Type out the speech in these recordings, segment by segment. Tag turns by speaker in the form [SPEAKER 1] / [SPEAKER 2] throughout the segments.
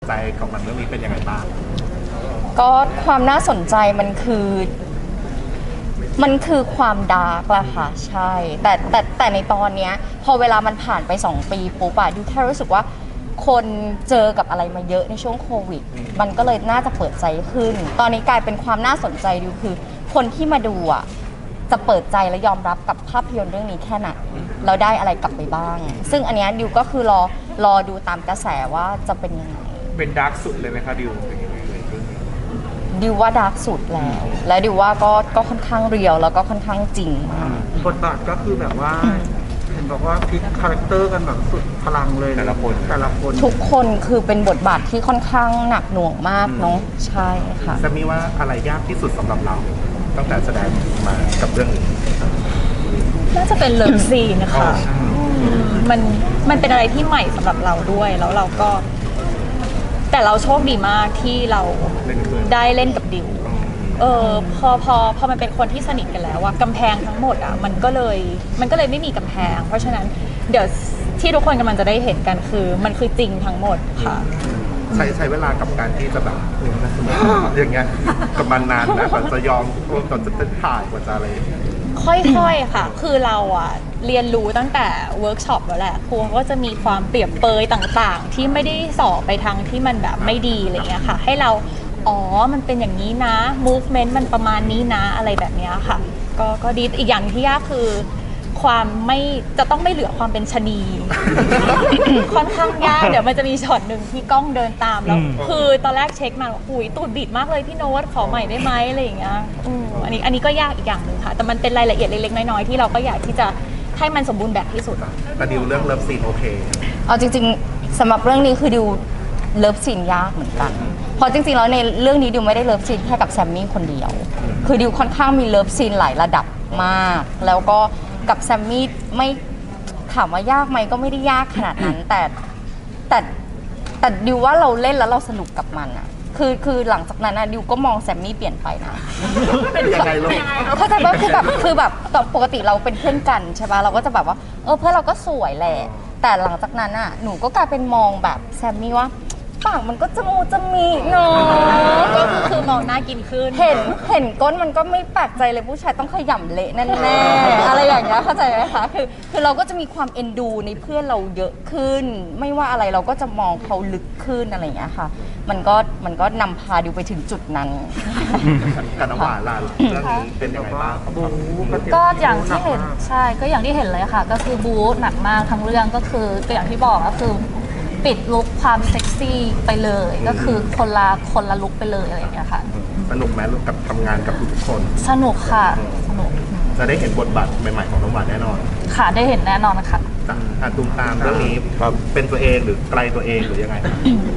[SPEAKER 1] ใจของมันเรื่องนี้เป็นยังไงบ้าง
[SPEAKER 2] ก็ความน่าสนใจมันคือความดาร์กละค่ะใช่แต่ในตอนเนี้ยพอเวลามันผ่านไป2 ปีปุ๊บอะดิวแค่รู้สึกว่าคนเจอกับอะไรมาเยอะในช่วงโควิดมันก็เลยน่าจะเปิดใจขึ้นตอนนี้กลายเป็นความน่าสนใจดิวคือคนที่มาดูอะจะเปิดใจและยอมรับกับภาพยนตร์เรื่องนี้แค่ไหนเราได้อะไรกลับไปบ้างซึ่งอันเนี้ยดิวก็คือรอดูตามกระแสว่าจะเป็นยังไง
[SPEAKER 3] เป็นดาร์กสุดเลยไหมคะดิวเป็นยังไงเลย
[SPEAKER 2] ดิวว่าดาร์กสุดแล้วและดิวว่าก็ค่อนข้างเรียวแล้วก็ค่อนข้างจริงมาก
[SPEAKER 4] บทบาทก็คือแบบว่าเห็นบอกว่าพลิกคาแรคเตอร์กันแบบสุดพลังเลย
[SPEAKER 3] แต่ละคน
[SPEAKER 2] ทุกคนคือเป็นบทบาทที่ค่อนข้างหนักหน่วงมากเนาะใช่ค่ะ
[SPEAKER 1] จะมีว่าอะไรยากที่สุดสำหรับเราตั้งแต่แสดงมากับเรื่องนี้
[SPEAKER 5] น่าจะเป็นเลิฟซีนนะคะมันเป็นอะไรที่ใหม่สำหรับเราด้วยแล้วเราก็แต่เราโชคดีมากที่เราได้เล่นกับดิวพอมันเป็นคนที่สนิทกันแล้วอะกำแพงทั้งหมดอะมันก็เลยไม่มีกำแพงเพราะฉะนั้นเดี๋ยวที่ทุกคนกำลังจะได้เห็นกันคือมันคือจริงทั้งหมดค่ะ
[SPEAKER 1] ใช้เวลากับการที่จะแบบอย่างเงี้ยกับมันนานนะกว่าจะยอมก่อนจะเป็นถ่ายกว่าจะอะไร
[SPEAKER 5] ค่อยๆค่ะคือเราอะเรียนรู้ตั้งแต่เวิร์กช็อปแล้วแหละครูก็จะมีความเปรียบเปรยต่างๆที่ไม่ได้สอบไปทางที่มันแบบไม่ดีอะไรเงี้ยค่ะให้เรามันเป็นอย่างนี้นะ movement มันประมาณนี้นะอะไรแบบนี้ค่ะก็ดีอีกอย่างที่ยากคือความไม่จะต้องไม่เหลือความเป็นชะนี ค่อนข้างยากเดี๋ยวมันจะมีช็อตหนึ่งที่กล้องเดินตามแล้วคือตอนแรกเช็คมาอุ้ยตูดบิดมากเลยพี่โน้ตขอใหม่ได้ไหมอะไรอย่างเงี้ยอันนี้ก็ยากอีกอย่างหนึ่งค่ะแต่มันเป็นรายละเอียดเล็กๆน้อยๆที่เราก็อยากที่จะให้มันสมบูรณ์แบบที่สุด
[SPEAKER 1] แต่ดิวเรื่องเลิฟซีนโอเค
[SPEAKER 2] เอาจริงๆสำหรับเรื่องนี้คือดิวเลิฟซีนยากเหมือนกันเพราะจริงๆแล้วในเรื่องนี้ดิวไม่ได้เลิฟซีนแค่กับแซมมี่คนเดียวคือดิวค่อนข้างมีเลิฟซีนหลายระดับมากแล้วก็กับแซมมี่ไม่ถามว่ายากไหมก็ไม่ได้ยากขนาดนั้นแต่ดิวว่าเราเล่นแล้วเราสนุกกับมันอะคือหลังจากนั้นดิวก็มองแซมมี่เปลี่ยนไปนะ
[SPEAKER 1] เป็นยังไงลูก
[SPEAKER 2] เข้าใจว่าคือแบบปกติเราเป็นเพื่อนกันใช่ป่ะเราก็จะแบบว่าเพื่อนเราก็สวยแหละแต่หลังจากนั้นอะหนูก็กลายเป็นมองแบบแซมมี่ว่าปากมันก็จะมีเนาะ
[SPEAKER 5] ก็คือมองหน้ากินขึ้น
[SPEAKER 2] เห็นก้นมันก็ไม่แปลกใจเลยผู้ชายต้องขยำเละแน่ๆอะไรอย่างเงี้ยเข้าใจไหมคะคือเราก็จะมีความเอ็นดูในเพื่อนเราเยอะขึ้นไม่ว่าอะไรเราก็จะมองเขาลึกขึ้นอะไรอย่างเงี้ยค่ะมันก็นำพาดิวไปถึงจุดนั้น
[SPEAKER 1] กับน้ำหวานล่ะเรื่องนี้เป็นยังไงบ้าง
[SPEAKER 6] ก็อย่างที่เห็นใช่ก็อย่างที่เห็นเลยค่ะก็คือบู๊หนักมากทั้งเรื่องก็คือก็อย่างที่บอกก็คือปิดลุคความเซ็กซี่ไปเลยก็คือคนละลุคไปเลยอะไรอย่างเงี้ยค่ะ
[SPEAKER 1] สนุกไหมกับทำงานกับทุกคน
[SPEAKER 6] สนุกค่ะสนุก
[SPEAKER 1] จะได้เห็นบทบาทใหม่ๆของน้องหวานแน่นอน
[SPEAKER 6] ค่ะได้เห็นแน่นอนค่ะ
[SPEAKER 1] ตูมตามเรื่องนี้เป็นตัวเองหรือไกลตัวเองหรือยังไง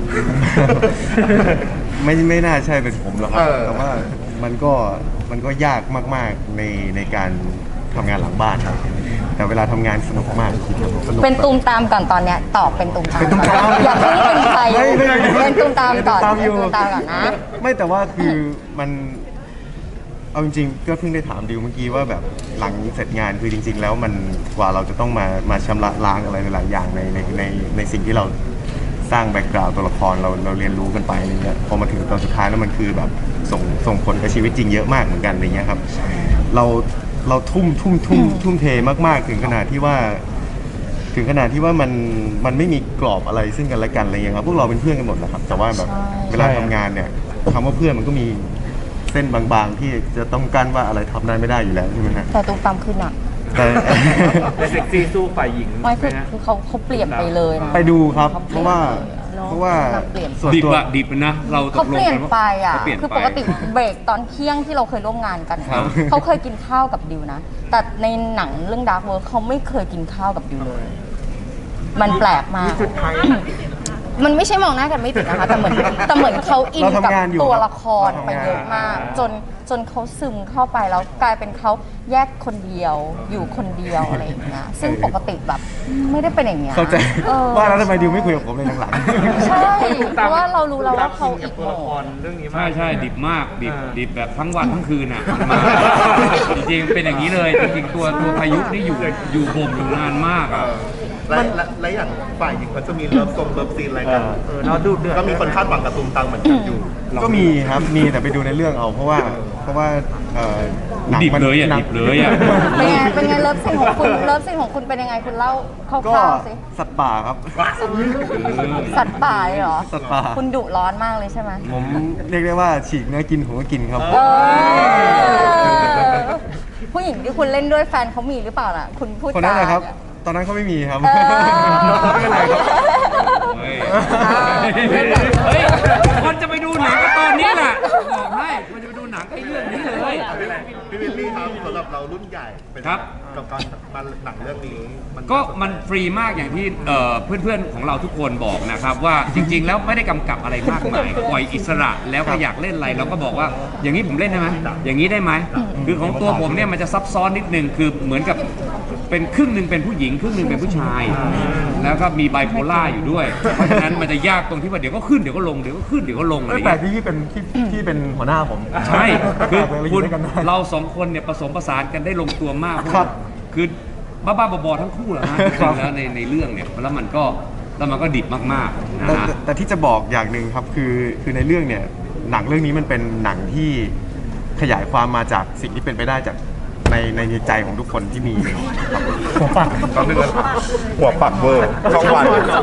[SPEAKER 7] ไม่น่าใช่เป็นผมหรอกครับแต่ว่ามันก็ยากมากๆในการทำงานหลังบ้านครับแต่เวลาทำงานสนุกมาก
[SPEAKER 2] เป็นตูมตามก่อนตอนเนี้ยตอบเป็นตูมตามอย่าเพิ่งเป็นใครเป็นตูมตามก่อนนะ
[SPEAKER 7] ไม่แต่ว่าคือมันเอาจริงๆก็เพิ่งได้ถามดิวเมื่อกี้ว่าแบบหลังเสร็จงานคือจริงๆแล้วมันกว่าเราจะต้องมาชำระล้างอะไรหลายอย่างในสิ่งที่เราสร้างแบ็กกราวด์ตัวละครเราเรียนรู้กันไปอะไรเงี้ยพอมาถึงตอนสุดท้ายแล้วมันคือแบบส่งผลกับชีวิตจริงเยอะมากเหมือนกันอะไรเงี้ยครับเราทุ่มเทมากๆถึงขนาดที่ว่ามันไม่มีกรอบอะไรซึ่งกันและกันอะไรเงี้ยครับพวกเราเป็นเพื่อนกันหมดนะครับแต่ว่าแบบเวลาทำงานเนี่ยคำว่าเพื่อนมันก็มีเส้นบางๆที่จะต้องกั้นว่าอะไรทำได้ไม่ได้อยู่แล้วใช่ไหมฮะ
[SPEAKER 2] แต่ตูมตามขึ้นอ่ะ
[SPEAKER 7] แต่
[SPEAKER 3] เซ็กซี่สู้ฝ่ายหญิง
[SPEAKER 2] ไม่คือเขาเปลี่ยนไปเลยนะ
[SPEAKER 7] ไปดูครับเพราะว่า
[SPEAKER 3] ดิบนะเรา
[SPEAKER 2] เขาเปลี่ยนไปอ่ะคือปกติเบรกตอนเที่ยงที่เราเคยร่วมงานกันเขาเคยกินข้าวกับดิวนะแต่ในหนังเรื่อง Dark World เขาไม่เคยกินข้าวกับดิวเลยมันแปลกมากมันไม่ใช่มองหน้ากันไม่ติดนะคะแต่เหมือนเขาอินกับตัวละครไปเยอะมากจนเขาซึมเข้าไปแล้วกลายเป็นเขาแยกคนเดียวอยู่คนเดียวอะไรอย่างเงี้ยซึ่งปกติแบบไม่ได้เป็นอย่างเงี้ย
[SPEAKER 7] เข้าใจว่าแล้วทำไมดิวไม่คุยกับผมเลยหลัง
[SPEAKER 2] ๆใช่เพราะว่าเรารู้แล้วว่าเขาอีกโหมด
[SPEAKER 3] เรื่องนี้ใช่ดิบมากดิบแบบทั้งวันทั้งคืนอ่ะจริงๆเป็นอย่างนี้เลยจริงๆตัวพายุนี่อยู่บ่มอยู่นานมากอ่ะ
[SPEAKER 1] และอย่างฝ่ายหญิงเขาจะมีเลิฟซีนอะไรกัน
[SPEAKER 4] เราดูเดือด
[SPEAKER 1] ก็มีคนคาดหวังกับตูมตามเหมือนกันอยู่
[SPEAKER 7] ก็มีครับมีแต่ไปดูในเรื่องเอาเพราะว่าหนัง
[SPEAKER 3] ดิบ
[SPEAKER 7] มัน
[SPEAKER 3] เลยอ่ะ
[SPEAKER 7] หนัง
[SPEAKER 3] ดิบเลยอ่ะ
[SPEAKER 2] เป็นไงเลิฟซีนของคุณเลิฟซีนของคุณเป็นยังไงคุณเล่าค
[SPEAKER 7] ก็
[SPEAKER 2] ร่าวๆสิ
[SPEAKER 7] สัตว์ป่าครับ
[SPEAKER 2] สัตว์ป่าเลยเหรอ
[SPEAKER 7] สัตว์ป่า
[SPEAKER 2] คุณดุร้อนมากเลยใช่ไหม
[SPEAKER 7] ผมเรียกได้ว่าฉีกเนื้อกินผมก็กินครับ
[SPEAKER 2] เออผู้หญิงที่คุณเล่นด้วยแฟนเขามีหรือเปล่าล่ะ คุณพูด
[SPEAKER 7] คนนั้นแหละครับ
[SPEAKER 2] จา
[SPEAKER 7] ตอนนั้นเขาไม่มีครับ
[SPEAKER 2] เออ
[SPEAKER 7] ไม่เป็นไรครับ
[SPEAKER 3] เฮ้ยเฮ้ยคนจะไปดูหนังก็ตอนนี้แหละบอกให้คนจะไปดูหนังก็เรื่องนี้เลย
[SPEAKER 1] พี่วิลลี่ครับสำหรับเรารุ่นใหญ่เป็น
[SPEAKER 3] ครับ
[SPEAKER 1] กับการมาหนังเรื่องนี้
[SPEAKER 3] ก็มันฟรีมากอย่างที่เพื่อนๆของเราทุกคนบอกนะครับว่าจริง ๆ แล้วไม่ได้กำกับอะไรมากมายปล่อยอิสระแล้วก็อยากเล่นอะไรเราก็บอกว่าอย่างนี้ผมเล่นได้ไหมอย่างนี้ได้ไหมคือของตัวผมเนี่ยมันจะซับซ้อนนิดนึงคือเหมือนกับเป็นครึ่งหนึ่งเป็นผู้หญิงครึ่งหนึ่งเป็นผู้ชาย แล้วก็มีไบโพล่าอยู่ด้วยเพราะฉะนั้นมันจะยากตรงที่ว่าเดี๋ยวก็ขึ้นเดี๋ยวก็ลงเดี๋ยวก็ขึ้นเดี๋ยวก็ลงอะไรอ
[SPEAKER 7] ไม่
[SPEAKER 3] ย่าง
[SPEAKER 7] แปล
[SPEAKER 3] เงี้
[SPEAKER 7] ก
[SPEAKER 3] ย
[SPEAKER 7] ที่พี่เป็นหัวหน้าผม
[SPEAKER 3] ใช่คือ
[SPEAKER 7] เราอยู่
[SPEAKER 3] คุณ
[SPEAKER 7] ด้วยกันได้
[SPEAKER 3] เราสองคนเนี่ยผสมผสานกันได้ลงตัวมาก
[SPEAKER 7] ครับ
[SPEAKER 3] คือบ้าๆบอๆทั้งคู่แหละฮะจริงๆแล้วในเรื่องเนี่ยแล้วมันก็ดิบมากๆนะ
[SPEAKER 7] แต่
[SPEAKER 3] ฮะ
[SPEAKER 7] แต่ที่จะบอกอย่างหนึ่งครับคือในเรื่องเนี่ยหนังเรื่องนี้มันเป็นหนังที่ขยายความมาจากสิ่งที่เป็นไปได้จากในใจของทุกคนที่มีครับ
[SPEAKER 1] หัวปักตอนนึงนะหัวปักเวอร์ช่องวัน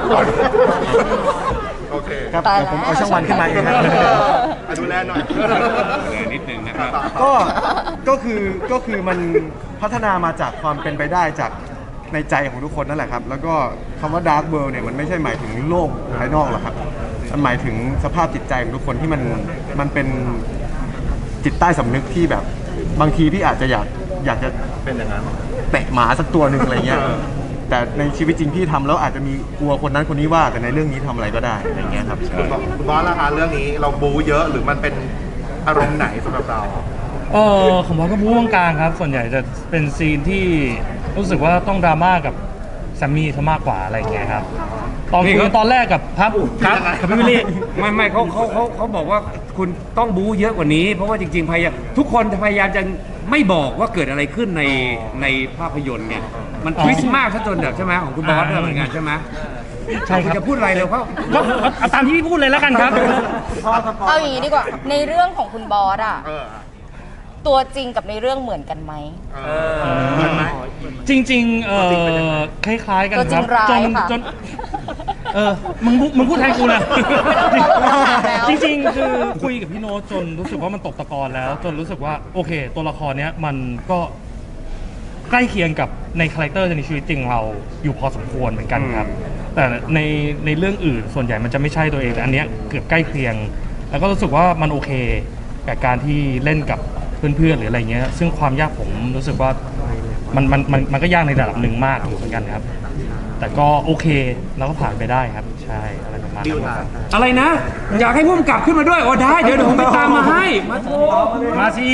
[SPEAKER 1] โอเค
[SPEAKER 7] ครับ
[SPEAKER 2] ตาย
[SPEAKER 7] เดี๋ยวผม
[SPEAKER 2] แล้ว
[SPEAKER 7] เอาช่องวันขึ้นมาเองครับ
[SPEAKER 1] ดูแลหน่อย
[SPEAKER 3] เลยนิดนึงนะครับ
[SPEAKER 7] ก็คือมันพัฒนามาจากความเป็นไปได้จากในใจของทุกคนนั่นแหละครับ แล้วก็คำว่า Dark World เนี่ยมันไม่ใช่หมายถึงโลกภายนอกหรอกครับ มันหมายถึงสภาพจิตใจของทุกคนที่มันเป็นจิตใต้สำนึกที่แบบบางทีพี่อาจจะอยากจะ
[SPEAKER 1] เป็นอย่างนั้น
[SPEAKER 7] เตะหมาสักตัวหนึ่งอะไรเงี้ย แต่ในชีวิตจริงพี่ทำแล้วอาจจะมีกลัวคนนั้นคนนี้ว่าแต่ในเรื่องนี้ทำอะไรก็ได้อะไรเงี้ยครับ
[SPEAKER 1] คุณบอสล่ะคะเรื่องนี้เราบู๊เยอะหรือมันเป็นอารมณ์ไหนสำหรับเรา
[SPEAKER 8] ผมว่าก็บู๊กลางๆครับ ส่วนใหญ่จะเป็นซีนที่รู้สึกว่าต้องดราม่ากับแซมมี่ซะมากกว่าอะไรอย่างเงี้ยครับตอน
[SPEAKER 3] นี่
[SPEAKER 8] คุ
[SPEAKER 3] เขา
[SPEAKER 8] ยตอนแรกกับครับกับพี่วิลลี่
[SPEAKER 3] ไม่เขาบอกว่าคุณต้องบู๊เยอะกว่านี้ เพราะว่าจริงๆพยายามทุกคนพยายามจะไม่บอกว่าเกิดอะไรขึ้นในภาพยนตร์เนี่ยมันทวิสต์มากซะจนแบบใช่ไหมของคุณบอสด้วยเหมือนกันใช่ไหม
[SPEAKER 8] ใช่ครับ
[SPEAKER 3] ณจะพูดอะไรเร็วเขา
[SPEAKER 8] ก็เอาตามที่พี่พูดเลยแล้วกันครับ
[SPEAKER 2] เอาอย่างนี้ดีกว่า ในเรื่องของคุณบอสอะ
[SPEAKER 1] เออ
[SPEAKER 2] ตัวจริงกับในเรื่องเหมือนกันไหม
[SPEAKER 1] เหมือนไหม
[SPEAKER 8] จริงๆคล้ายๆกัน
[SPEAKER 2] ตัวจ
[SPEAKER 8] ค
[SPEAKER 2] ริ
[SPEAKER 8] รั
[SPEAKER 2] ง
[SPEAKER 8] บ
[SPEAKER 2] ร้ายค่ะ
[SPEAKER 8] จนมึงพูดแทนกูเลย
[SPEAKER 2] ไม่ต้องถามแล้ว
[SPEAKER 8] จริงๆคือคุยกับพี่โน้ตจนรู้สึกว่ามันตกตะกอนแล้ว จนรู้สึกว่าโอเค ตัวละครเนี้ยมันก็ใกล้เคียงกับในคาแรคเตอร์ในชีวิตจริงเราอยู่พอสมควรเหมือนกันครับ แต่ในเรื่องอื่นส่วนใหญ่มันจะไม่ใช่ตัวเองแต่อันเนี้ยเกือบใกล้เคียง แล้วก็รู้สึกว่ามันโอเคกับการที่เล่นกับเพื่อนๆหรืออะไรเงี้ย ซึ่งความยากผมรู้สึกว่ามันก็ยากในระดับหนึ่งมากอยู่เหมือนกันครับ แต่ก็โอเคแล้วก็ผ่านไปได้ครับ ใช่อะไรประมาณ
[SPEAKER 1] ดิว
[SPEAKER 8] นั้น
[SPEAKER 1] ล่ะ
[SPEAKER 8] ครับ
[SPEAKER 3] อะไรนะ อยากให้พุ่มกลับขึ้นมาด้วยโอ้ได้เดี๋ยวผมไปตามมาให้มาโทร
[SPEAKER 8] มาสิ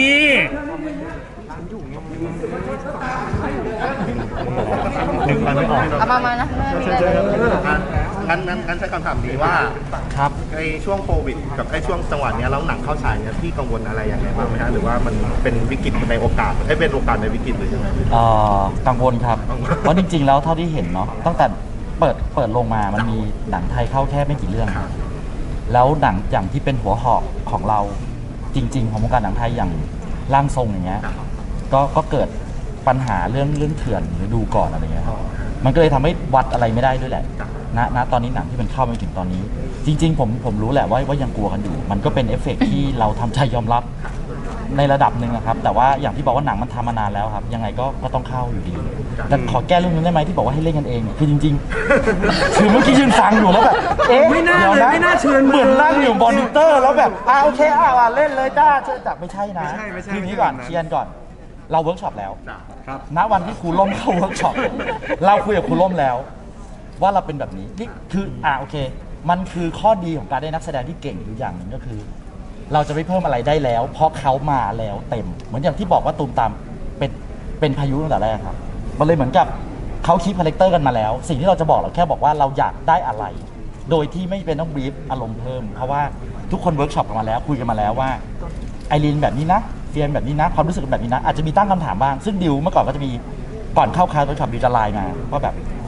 [SPEAKER 1] นึกมันไม่ออก
[SPEAKER 2] เอามานะไม่มีอะไรเลย
[SPEAKER 1] งั้นใช้คำถามนี้ว่า
[SPEAKER 8] ครับ
[SPEAKER 1] ในช่วงโควิดกับไอ้ช่วงจังหวะเนี้ยแล้วหนังเข้าฉายเนี่ยพี่กังวลอะไรอย่างไรบ้างไหมฮะหรือว่ามันเป็นวิกฤตในโอกาสให้เป็นโอกาสในวิกฤตหรือยังไง
[SPEAKER 9] กังวลครับ เพราะจริงๆ แล้วเท่าที่เห็นเนาะตั้งแต่เปิดลงมามันมีหนังไทยเข้าแค่ไม่กี่เรื่อง แล้วหนังอย่างที่เป็นหัวหอกของเราจริง ๆ ของวงการหนังไทยอย่างร่างทรงอย่างเงี้ยก็เกิดปัญหาเรื่องเถื่อนหรือดูก่อนอะไรเงี้ยครับมันก็เลยทำให้วัดอะไรไม่ได้ด้วยแหละณตอนนี้หนังที่มันเข้ามาถึงตอนนี้ จริง ๆ ผมรู้แหละว่ายังกลัวกันอยู่ มันก็เป็นเอฟเฟกต์ที่เราทำใจยอมรับในระดับหนึ่งนะครับ แต่ว่าอย่างที่บอกว่าหนังมันทำมานานแล้วครับ ยังไงก็ต้องเข้าอยู่ดี แต่ขอแก้เรื่องนึงได้ไหมที่บอกว่าให้เล่นกันเองเนี่ยคือจริงๆ คือเมื่อกี้ยืนฟังอยู่แล้วแบบเอ๊ะ
[SPEAKER 3] ไม่น่า
[SPEAKER 9] ดี๋ยว
[SPEAKER 3] เลยไม่น่าเชิญ
[SPEAKER 9] เหมือนนั่งอยู่มอนิเตอร์แล้วแบบโอเคเล่นเลยจ้าเชิญจับไม่ใช่นะ
[SPEAKER 7] ไม่ใช่
[SPEAKER 9] ทีนี้ก่อน
[SPEAKER 7] ไม่ใช่
[SPEAKER 9] เชียนก่อน เราเวิร์กช็อปแล้ว
[SPEAKER 3] ครับ
[SPEAKER 9] ณวันที่ครูล่มเข้าเวิร์กช็อปเราคุยกับครูล่มแล้ว ว่าเราเป็นแบบนี้นี่คือโอเค มันคือข้อดีของการได้นักแสดงที่เก่งอยู่อย่างหนึ่งก็คือ เราจะไม่เพิ่มอะไรได้แล้ว เพราะเขามาแล้วเต็ม เหมือนอย่างที่บอกว่าตูมตามเป็นพายุตั้งแต่แรกครับมันเลยเหมือนกับเขาคีปคาแรคเตอร์กันมาแล้ว สิ่งที่เราจะบอกเราแค่บอกว่าเราอยากได้อะไร โดยที่ไม่เป็นต้องบรีฟอารมณ์เพิ่มเพราะว่าทุกคนเวิร์กช็อปกันมาแล้วคุยกันมาแล้วว่าไอรีนแบบนี้นะเฟียนแบบนี้นะความรู้สึกแบบนี้นะอาจจะมีตั้งคำถามบ้างซึ่งดิวเมื่อก่อนก็จะมีก่อนเข้าคลาสเวิร์กช็อปดิวจะไลน์มาว่าแบบ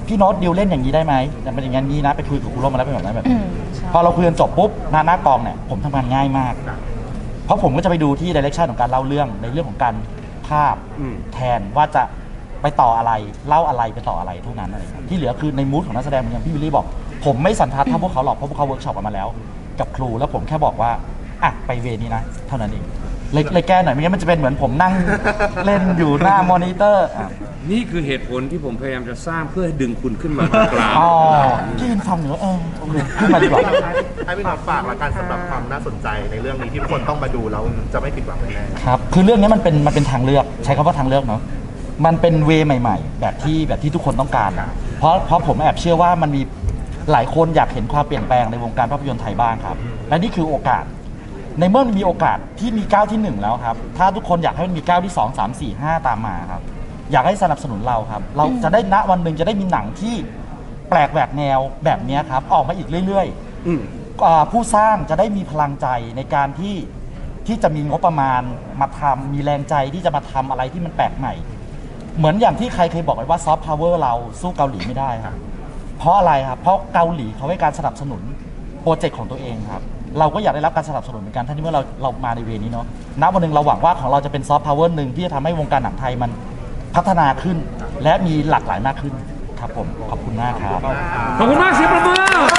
[SPEAKER 9] พี่โน้ตดิวเล่นอย่างนี้ได้ไหมมันเป็นอย่างนี้นะไปคุยกับครูร่มมาแล้วเป็นแบบนั้นแบบนี้
[SPEAKER 2] ใช่
[SPEAKER 9] พอเราคุยกันจบปุ๊บหน้ากองเนี่ยผมทำงานง่ายมาก เพราะผมก็จะไปดูที่ดิเรกชันของการเล่าเรื่องในเรื่องของการภาพ
[SPEAKER 3] อืม
[SPEAKER 9] แทนว่าจะไปต่ออะไรเล่าอะไรไปต่ออะไรเท่านั้นอะไรครับที่เหลือคือในมูดของนักแสดงเหมือนอย่างพี่วิลลี่บอก ผมไม่สันทัดเท่าพวกเขาหรอกเพราะพวกเขาเวิร์กช็อปกันมาแล้ว กับครูแล้วผมแค่บอกว่าอ่ะไปเวนี้นะเท่านั้นเองเลยแก้หน่อยไม่งั้นมันจะเป็นเหมือนผมนั่ง เล่นอยู่หน้ามอนิเตอร์อ่ะ
[SPEAKER 3] นี่คือเหตุผลที่ผมพยายามจะสร้างเพื่อให้ดึงคุณขึ้นมาตรงกลาง
[SPEAKER 9] อ๋อที่ยินฟังอยู่แล้วโอเคขึ้นมาดีกว่า
[SPEAKER 1] ให้พี่น็อตฝากละกันสำหรับความน่าสนใจในเรื่องนี้ที่ทุกคนต้องมาดูแล้วจะไม่ผิดหวังแน่
[SPEAKER 9] ครับ คือเรื่องนี้มันเป็นทางเลือก ใช้คำว่าทางเลือกเนาะ มันเป็นเวย์ใหม่ๆ แบบที่ทุกคนต้องการ เพราะผมแอบเชื่อว่ามันมีหลายคนอยากเห็นความเปลี่ยนแปลงในวงการภาพยนตร์ไทยบ้างครับ และนี่คือโอกาส ในเมื่อมันมีโอกาสที่มีก้าวที่ 1 แล้วครับ ถ้าทุกคนอยากให้มันมีก้าวที่ 2 3 4 5 ตามมาครับ อยากให้สนับสนุนเราครับ เราจะได้ณวันหนึ่งจะได้มีหนังที่แปลกแหวกแนวแบบนี้ครับออกมาอีกเรื่อยๆ
[SPEAKER 3] อืม
[SPEAKER 9] ผู้สร้างจะได้มีพลังใจในการที่จะมีงบประมาณมาทำมีแรงใจที่จะมาทำอะไรที่มันแปลกใหม่ เหมือนอย่างที่ใครเคยบอกไว้ว่าซอฟต์พาวเวอร์เราสู้เกาหลีไม่ได้ครับเพราะอะไรครับเพราะเกาหลีเขาให้การสนับสนุนโปรเจกต์ของตัวเองครับเราก็อยากได้รับการสนับสนุนเหมือนกันทั้งที่เมื่อเรามาในเวนี้เนาะณวันหนึ่งเราหวังว่าของเราจะเป็นซอฟต์พาวเวอร์หนึ่งที่จะทำให้วงการหนังไทยมันพัฒนาขึ้น และมีหลากหลายมากขึ้นครับผมขอบคุณมากครับ
[SPEAKER 3] ขอบคุณมากเสียงประมือ